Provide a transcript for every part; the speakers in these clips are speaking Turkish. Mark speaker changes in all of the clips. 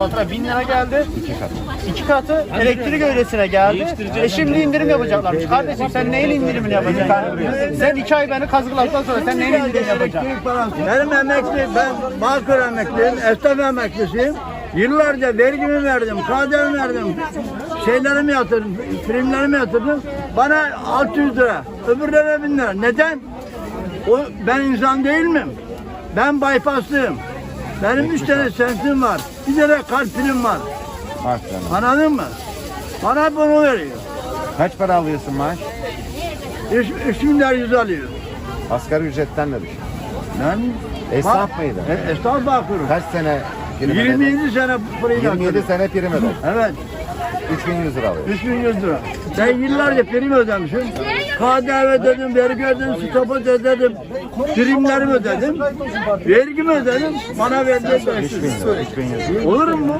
Speaker 1: Fatura 1000 lira geldi.
Speaker 2: 2 kat.
Speaker 1: 2 katı elektrik öylesine geldi. Şimdi indirim yapacaklarmış. Kardeşim sen neyin indirimini yapacaksın? Sen 2 ay beni kazıkladıktan sonra sen neyin indirimini yapacaksın?
Speaker 3: Benim emekli, ben Bağkur emekliyim, esnaf emeklisiyim. Yıllarca vergimi verdim, KDV verdim, şeylerimi yatırdım, primlerimi yatırdım. Bana 600 lira, öbürlerine 1000 lira. Neden? Ben insan değil miyim? Ben bypasslıyım. Benim 3 tane sensim var, bir tane kalp prim var.
Speaker 2: Bak canım.
Speaker 3: Anladın mı? Bana bunu veriyor.
Speaker 2: Kaç para alıyorsun maaş?
Speaker 3: 3 milyar 100 alıyor.
Speaker 2: Asgari ücretten de düşün.
Speaker 3: Ben
Speaker 2: Esnaf mıydın?
Speaker 3: Esnaf bakıyorum.
Speaker 2: Kaç sene prim ödedin?
Speaker 3: 27 sene burayı
Speaker 2: 27 sene prim ödedin.
Speaker 3: Evet.
Speaker 2: 3100 lira alıyorsun.
Speaker 3: 3100 lira. Ben yıllarca prim ödemişim. KDV ödedim, vergi ödedim, stopaj ödedim, primlerimi ödedim, vergimi ödedim, bana verdiler 500 lira.
Speaker 2: 3100.
Speaker 3: Olur mu?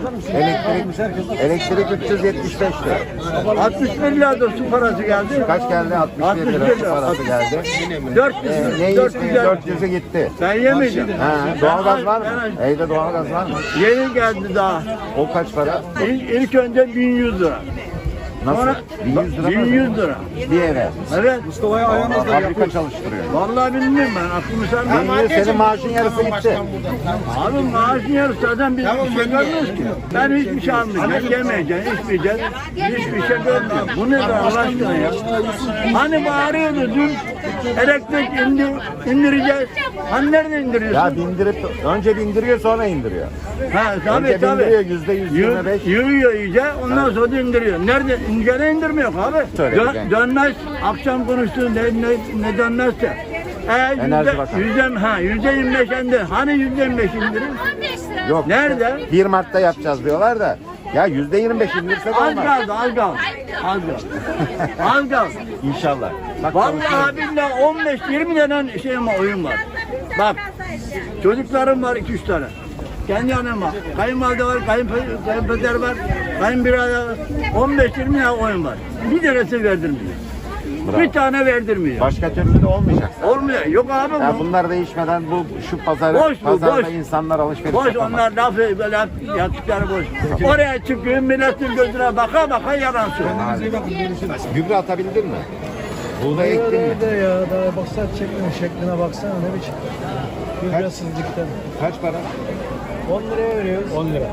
Speaker 2: Elektrik 375 lira.
Speaker 3: 61 lira da su parası geldi.
Speaker 2: Kaç geldi? 61 lira su parası geldi.
Speaker 3: 400
Speaker 2: Ne
Speaker 3: lira.
Speaker 2: istiyor? 400'ü gitti.
Speaker 3: Ben yemeyeceğim.
Speaker 2: Ha, doğalgaz var mı? Evde doğalgaz var mı?
Speaker 3: Yeni geldi daha.
Speaker 2: O kaç para?
Speaker 3: İlk önce 1100 lira.
Speaker 2: Nasıl?
Speaker 3: Sonra
Speaker 2: 1100 lira mı?
Speaker 3: 1100 lira.
Speaker 2: Bir eve.
Speaker 3: Evet.
Speaker 2: Fabrika çalıştırıyor.
Speaker 3: Vallahi bilmiyorum ben. Aklımı sen
Speaker 2: 1100 senin maaşın yarısı gitti.
Speaker 3: Abi maaşın yarısı zaten biz bir şey görmüyoruz ki. Ben hiçbir şey almayacağım, yemeyeceğim, içmeyeceğim. Hiçbir şey görmüyorum. Bu nedir Allah aşkına ya? Hani bağırıyordu dün elektrik indireceğiz. Hani nerede indiriyorsun?
Speaker 2: Ya bindirip, önce bindiriyor sonra indiriyor.
Speaker 3: Ha
Speaker 2: Önce
Speaker 3: tabii tabii.
Speaker 2: bindiriyor %125.
Speaker 3: Yürüyor iyice ondan sonra da indiriyor. Nerede? Gene indirmiyor abi.
Speaker 2: Söyle,
Speaker 3: Dönmez. Akşam konuştuğun ne dönmezse.
Speaker 2: Enerji Bakanı.
Speaker 3: %25 indi. Hani %25 indirim?
Speaker 2: Yok.
Speaker 3: Nerede?
Speaker 2: 1 Mart'ta yapacağız diyorlar da. Ya %25 indirse de
Speaker 3: Az
Speaker 2: olmaz.
Speaker 3: kaldı, az kaldı. Az kaldı. Az kaldı.
Speaker 2: İnşallah. Bak,
Speaker 3: Vallahi billahi 15-20 tane şeyim var, oyun var. Bak, çocuklarım var 2-3 tane. Kendi yanım var. Kayınvalide var, kayınpeder var, kayınbirader var. 15-20 tane oyun var. Bir tanesi verdirmiyor.
Speaker 2: Bravo.
Speaker 3: Bir tane verdirmiyor.
Speaker 2: Başka türlü de olmayacak.
Speaker 3: Olmuyor. Yok abi
Speaker 2: Ya
Speaker 3: bu.
Speaker 2: bunlar değişmeden şu
Speaker 3: Boş bu,
Speaker 2: pazarda
Speaker 3: boş.
Speaker 2: insanlar alışveriş
Speaker 3: Boş
Speaker 2: yapamaz.
Speaker 3: onlar lafı böyle yaptıkları boş. Oraya çıkıyor milletin gözüne baka baka yalan söylüyor.
Speaker 2: Gübre atabildin mi? Buğday ektin mi?
Speaker 4: Nerede ya? Daha baksana şekline baksana ne biçim. Gübresizlikten.
Speaker 2: Kaç para?
Speaker 4: 10 liraya veriyoruz. 10 lira.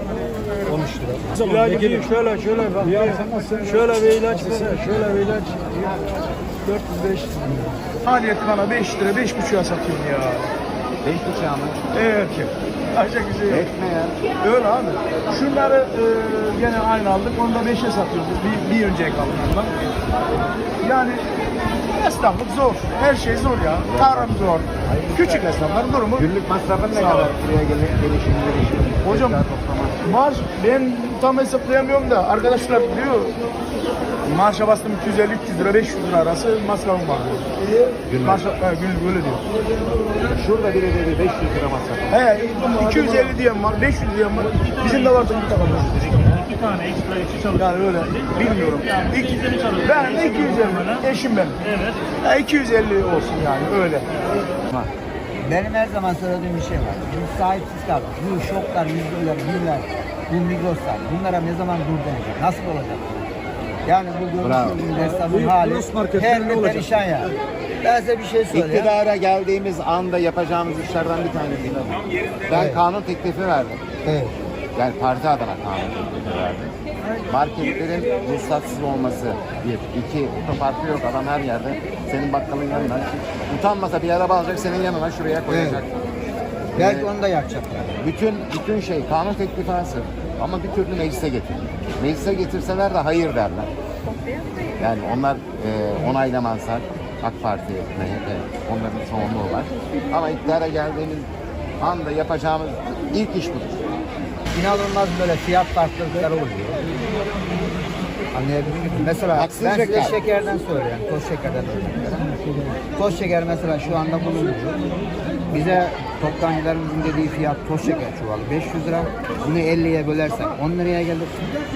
Speaker 4: 13 lira. İlacı bir şöyle bak. Şöyle bir ilaç mesela. Şöyle bir ilaç. 400-500 lira.
Speaker 5: Maliyeti bana 5 lira, 5,5'a satıyorum ya.
Speaker 2: 5,5 mı?
Speaker 5: Evet ki. Ancak güzel yok.
Speaker 2: Etme ya.
Speaker 5: Öyle abi. Şunları gene aynı aldık. Onu da 5'e satıyoruz. Bir önceki alımdan. Yani esnaflık zor. Her şey zor ya. Tarım zor. Küçük esnafların durumu.
Speaker 2: Günlük masrafın ne kadar? Buraya gelişim.
Speaker 5: Hocam maaş ben tam hesaplayamıyorum da arkadaşlar diyor maaşa bastım 250-300 lira 500 lira arası masrafım var diyor. Maaşa, günlük öyle diyor.
Speaker 2: Şurada biri dedi 500 lira masraf.
Speaker 5: He 250 diyen var 500 diyen var. Bizim de vardı bir tane.
Speaker 6: 2 tane ekstra işçi çalışıyor.
Speaker 5: Yani öyle bilmiyorum.
Speaker 6: Yani 250 çalışıyor.
Speaker 5: Ben de 250. Eşim benim.
Speaker 6: Evet.
Speaker 5: Ya 250 olsun yani öyle.
Speaker 7: Benim her zaman söylediğim bir şey var. Biz sahipsiz kaldık. Bu şoklar, yüzler, güller, bu migroslar. Bunlara ne zaman dur denecek? Nasıl olacak? Yani bu görüşümüzün esnafın hali her gün perişan ya. Ben size bir şey söyleyeyim.
Speaker 2: İktidara geldiğimiz anda yapacağımız işlerden bir tanesi de bu. Ben kanun teklifi verdim.
Speaker 7: Evet.
Speaker 2: Yani parti adına kanun teklifi verdim. Marketlerin ruhsatsız olması bir. 2, otoparkı yok adam her yerde. Senin bakkalın yanına. Utanmasa bir araba alacak senin yanına şuraya koyacak.
Speaker 7: Belki onu da yapacaklar.
Speaker 2: Bütün şey kanun teklifi hazır. Ama bir türlü meclise getirmiyor. Meclise getirseler de hayır derler. Yani onlar onaylamazlar. AK Parti, MHP onların çoğunluğu var. Ama iktidara geldiğimiz anda yapacağımız ilk iş budur.
Speaker 7: İnanılmaz böyle fiyat farklılıkları oluyor. Anlayabildiniz mi? Mesela
Speaker 2: Haksız
Speaker 7: ben size
Speaker 2: rekabet.
Speaker 7: şekerden söyleyeyim. Toz şekerden söyleyeyim. Toz şeker mesela şu anda bulunuyor. Bize toptancılarımızın dediği fiyat toz şeker çuvalı 500 lira. Bunu 50'ye bölersek 10 liraya gelir.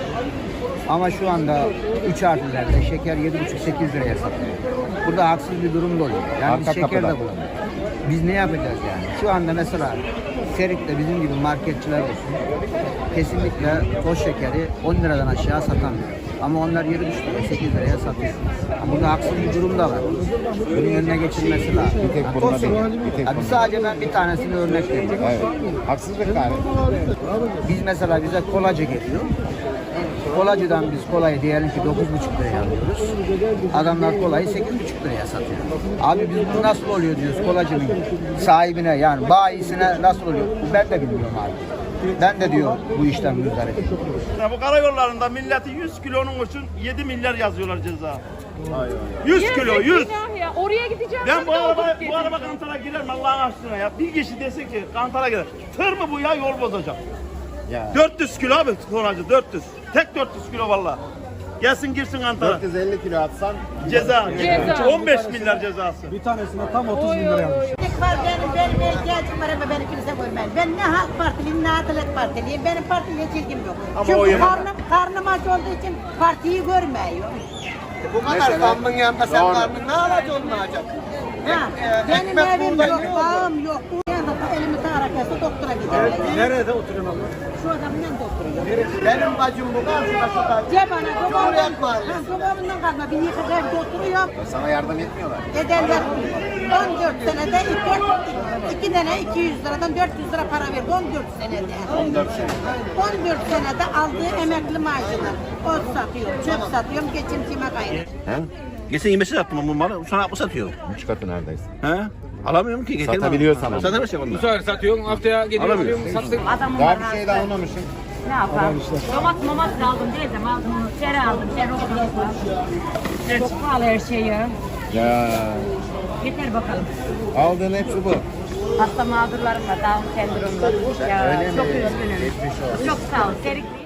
Speaker 7: Ama şu anda 3 harflerde şeker 7,5-8 liraya satılıyor. Burada haksız bir durum da oluyor. Yani
Speaker 2: Arka
Speaker 7: biz şeker de
Speaker 2: kapıda.
Speaker 7: bulamıyoruz. Biz ne yapacağız yani? Şu anda mesela Serik'te bizim gibi marketçiler olsun. Kesinlikle toz şekeri 10 liradan aşağı satamıyor. Ama onlar 7,5 lira, 8 liraya satıyor. Ama burada haksız bir durum da var. Bunun önüne geçilmesi lazım.
Speaker 2: Bir tek bununla değil. Bir tek
Speaker 7: Abi
Speaker 2: bununla.
Speaker 7: sadece ben bir tanesini örnek vereyim.
Speaker 2: Evet. Haksızlık yani.
Speaker 7: Biz mesela bize kolacı geliyor. Kolacıdan biz kolayı diyelim ki 9,5 liraya alıyoruz. Adamlar kolayı 8,5 liraya satıyor. Abi biz bu nasıl oluyor diyoruz kolacının sahibine yani bayisine nasıl oluyor? Ben de bilmiyorum abi. Ben de diyor bu işten müzdarip.
Speaker 8: Bu karayollarında milleti 100 kilonun için 7 milyar yazıyorlar ceza. 100 kilo 100.
Speaker 9: Ya. Oraya gideceğim.
Speaker 8: Ben bu araba kantara girerim Allah'ın aşkına ya. Bir kişi desin ki kantara girer. Tır mı bu ya yol bozacak.
Speaker 2: Ya.
Speaker 8: 400 kilo abi tonacı 400. Tek 400 kilo valla. Gelsin girsin kantara.
Speaker 2: 450 kilo atsan
Speaker 8: Ceza.
Speaker 9: Ceza.
Speaker 8: 15 milyar cezası.
Speaker 4: Bir tanesine tam 30 bin lira almış.
Speaker 10: Benim ihtiyacım var ama beni kimse görmez. Ben ne Halk Partiliyim ne Adalet Partiliyim. Benim partiyle ilgim yok.
Speaker 8: Ama o
Speaker 10: Çünkü
Speaker 8: yemem.
Speaker 10: karnım aç olduğu için partiyi görmüyor.
Speaker 7: Bu kadar zammın yanında sen karnın ne alacaksın olmayacak?
Speaker 10: Ha, benim evim yok, bağım yok. Bu yanında elimi tarakası doktora gidiyorum.
Speaker 4: Nerede oturuyorsun abla?
Speaker 10: Şu adamın yanında oturuyorum.
Speaker 7: Benim bacım bu karşıma şurada.
Speaker 10: Cebana,
Speaker 7: Cumhuriyet Mahallesi.
Speaker 10: babamdan kalma. Bir yıkık evde oturuyorum.
Speaker 2: sana yardım etmiyorlar.
Speaker 10: Ederler 14 senede 2 tane 200 liradan 400 lira para verdi 14 senede. 14 senede aldığı emekli maaşını ot satıyorum, çöp satıyorum, geçimcime gayrı.
Speaker 8: Geçen 25 lira attım bu malı. Sana bu satıyor.
Speaker 2: 3 katı neredeyse.
Speaker 8: He? Alamıyorum ki.
Speaker 2: Satabiliyorsan ama.
Speaker 8: Satamıyorsun onu.
Speaker 11: Bu sefer satıyorsun, haftaya geliyor alıyorum, sattık.
Speaker 2: Daha bir şey de almamışsın.
Speaker 9: Ne yapalım? Domates aldım dedim. Aldım, tere aldım. Tere oldu. Çok pahalı her şey ya.
Speaker 2: Ya
Speaker 9: Yeter bakalım.
Speaker 2: aldığın hepsi bu.
Speaker 9: Hasta mağdurlarım var. Down sendromlar. Ya
Speaker 2: Öyle mi?
Speaker 9: çok üzgünüm.
Speaker 2: Geçmiş olsun.
Speaker 9: Çok sağ ol. Serik